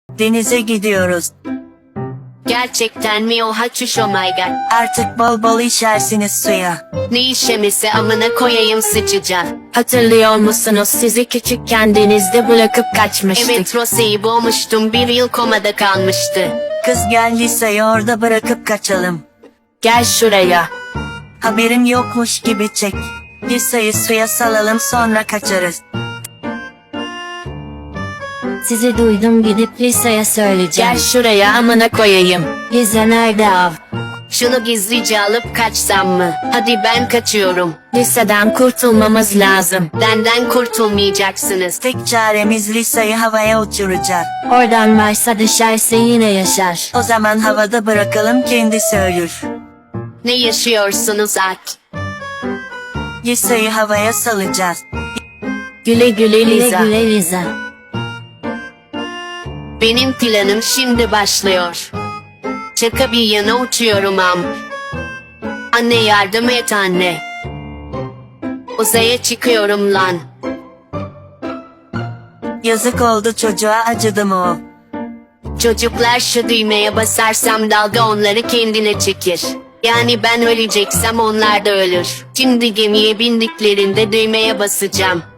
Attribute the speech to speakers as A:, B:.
A: Denize gidiyoruz.
B: Gerçekten mi? Oha çüş, oh my god.
A: Artık bol bol işersiniz suya.
B: Ne işemesi, amına koyayım sıçacak. Hatırlıyor musunuz, sizi küçükken denizde bırakıp kaçmıştık. Evet, Rose'yi boğmuştum, bir yıl komada kalmıştı.
A: Kız gel Lisa'yı orada bırakıp kaçalım.
B: Gel şuraya.
A: Haberin yokmuş gibi çek. Lisa'yı suya salalım, sonra kaçarız.
C: Sizi duydum, gidip Lisa'ya söyleyeceğim.
B: Gel şuraya, amına koyayım.
C: Lisa nerede av?
B: Şunu gizlice alıp kaçsam mı? Hadi ben kaçıyorum. Liseden kurtulmamız lazım. Benden kurtulmayacaksınız.
A: Tek çaremiz Lisa'yı havaya uçuracak.
C: Oradan varsa düşerse yine yaşar.
A: O zaman havada bırakalım, kendisi ölür.
B: Ne yaşıyorsunuz Ak?
A: Lisa'yı havaya salacağız.
B: Güle güle
C: Güle
B: Liza.
C: güle Liza.
B: Benim planım şimdi başlıyor. Şaka bir yana uçuyorum am. Anne yardım et anne. Uzaya çıkıyorum lan.
A: Yazık oldu çocuğa, acıdı mı o?
B: Çocuklar, şu düğmeye basarsam dalga onları kendine çekir. Yani ben öleceksem onlar da ölür. Şimdi gemiye bindiklerinde düğmeye basacağım.